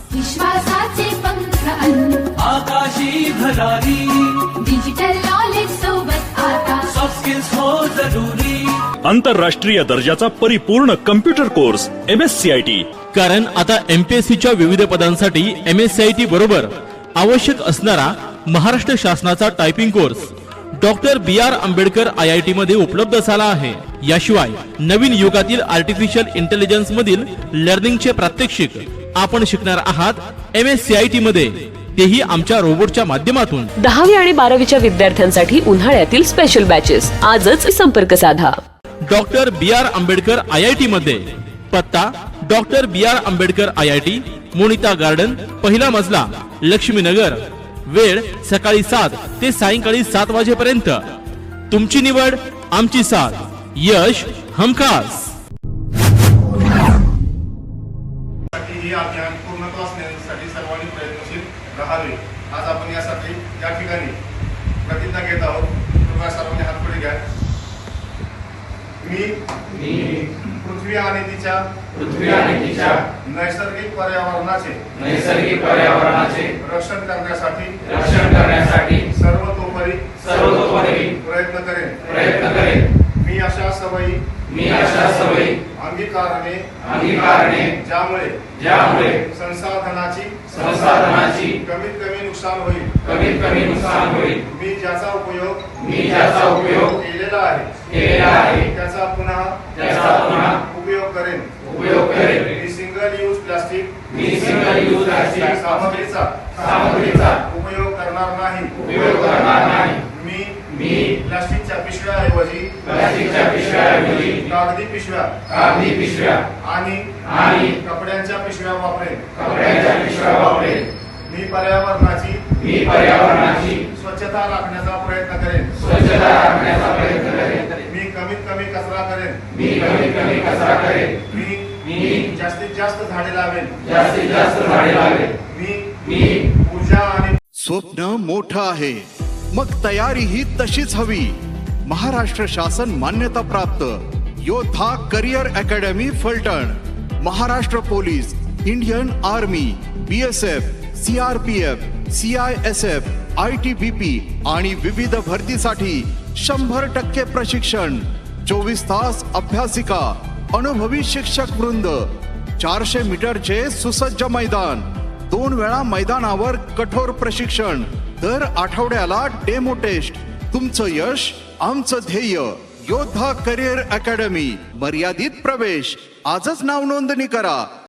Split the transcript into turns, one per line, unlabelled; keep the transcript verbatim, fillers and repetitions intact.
विश्वासाचे पंख अनु
आकाशी भरारी,
डिजिटल नॉलेज सोबत आता
सॉफ्ट स्किल्स हो जरुरी।
आंतरराष्ट्रीय दर्जाचा परिपूर्ण computer course M S C I T.
कारण आता एमपीएससीच्या विविध पदांसाठी M S C I T बरोबर आवश्यक असणारा महाराष्ट्र शासनाचा typing course doctor B R Ambedkar I I T मध्ये उपलब्ध झाला आहे। याशिवाय नवीन युगातील आर्टिफिशियल इंटेलिजन्स मधील लर्निंगचे प्रात्यक्षिक आपण शिकणार आहात M S C I T मध्ये, तेही आमच्या रोबोटच्या माध्यमातून।
दहावी आणि बारावीच्या विद्यार्थ्यांसाठी उन्हाळ्यातील स्पेशल बॅचेस आजच संपर्क साधा।
Doctor B R Ambedkar I I T मध्ये पत्ता doctor B R Ambedkar I I T, Monita garden, पहिला मजला, लक्ष्मीनगर। वेळ सकाळी सात ते सायंकाळी सात वाजेपर्यंत। तुमची निवड आमची साथ, यश हमखास।
हे अभियान पूर्णत्वास नेण्यासाठी सर्वांनी प्रयत्नशील राहावे। आज आपण यासाठी या ठिकाणी प्रतिज्ञा घेत आहोत। कृपया सर्वांनी हात पुढे घ्या। मी पृथ्वी आणि तिच्या
पृथ्वी आणि तिच्या
नैसर्गिक पर्यावरणाचे
नैसर्गिक पर्यावरणाचे
रक्षण करण्यासाठी
रक्षण करण्यासाठी
सर्वतोपरी
सर्वतोपरी
प्रयत्न करेन
प्रयत्न करेन।
मी अशा सवयी
मी अशा सवयी
अंगीकारणे
अंगीकारणे
ज्यामुळे
ज्यामुळे
संसाधनाची
संसाधनाची
कमीत कमी नुकसान होईल
कमीत कमी नुकसान होईल।
मी ज्याचा उपयोग
मी ज्याचा उपयोग
केलेला आहे
केलेला आहे
त्याचा पुन्हा
त्याचा पुन्हा
उपयोग करेन
उपयोग करेन।
मी सिंगल यूज प्लास्टिक
मी सिंगल यूज प्लास्टिक
सामग्रीचा
सामग्रीचा
उपयोग करणार नाही
उपयोग करणार नाही।
मी
मी
प्लास्टिकच्या पिशव्याऐवजी
प्लास्टिकच्या पिशव्याऐवजी
कागदी पिशव्या
कागदी पिशव्या
आणि
आणि
कपड्यांच्या पिशव्या वापरेन
कपड्यांच्या पिशव्या वापरेन।
मी पर्यावरणाची
मी पर्यावरणाची
स्वच्छता राखण्याचा प्रयत्न करेन
स्वच्छता राखण्याचा प्रयत्न करेन।
मी कमीत कमी कचरा करेन
मी कमीत कमी कचरा करेन।
मी
मी
जास्तीत जास्त झाडे लावेन
जास्तीत जास्त झाडे लावेन।
मी
मी
ऊर्जा आणि
स्वप्न मोठं आहे, मग तयारी ही तशीच हवी। महाराष्ट्र शासन मान्यता प्राप्त Yoddha career academy Phaltan, Maharashtra police, Indian army, B S F, C R P F, C I S F, I T B P आणि विविध भरतीसाठी शंभर टक्के प्रशिक्षण, चोवीस तास अभ्यासिका, अनुभवी शिक्षक वृंद, चारशे मीटरचे सुसज्ज मैदान, दोन वेळा मैदानावर कठोर प्रशिक्षण, दर आठवड्याला डेमो टेस्ट। तुमचं यश आमचं ध्येय। योद्धा करिअर अकॅडमी, मर्यादित प्रवेश। आजच नाव नोंदणी करा।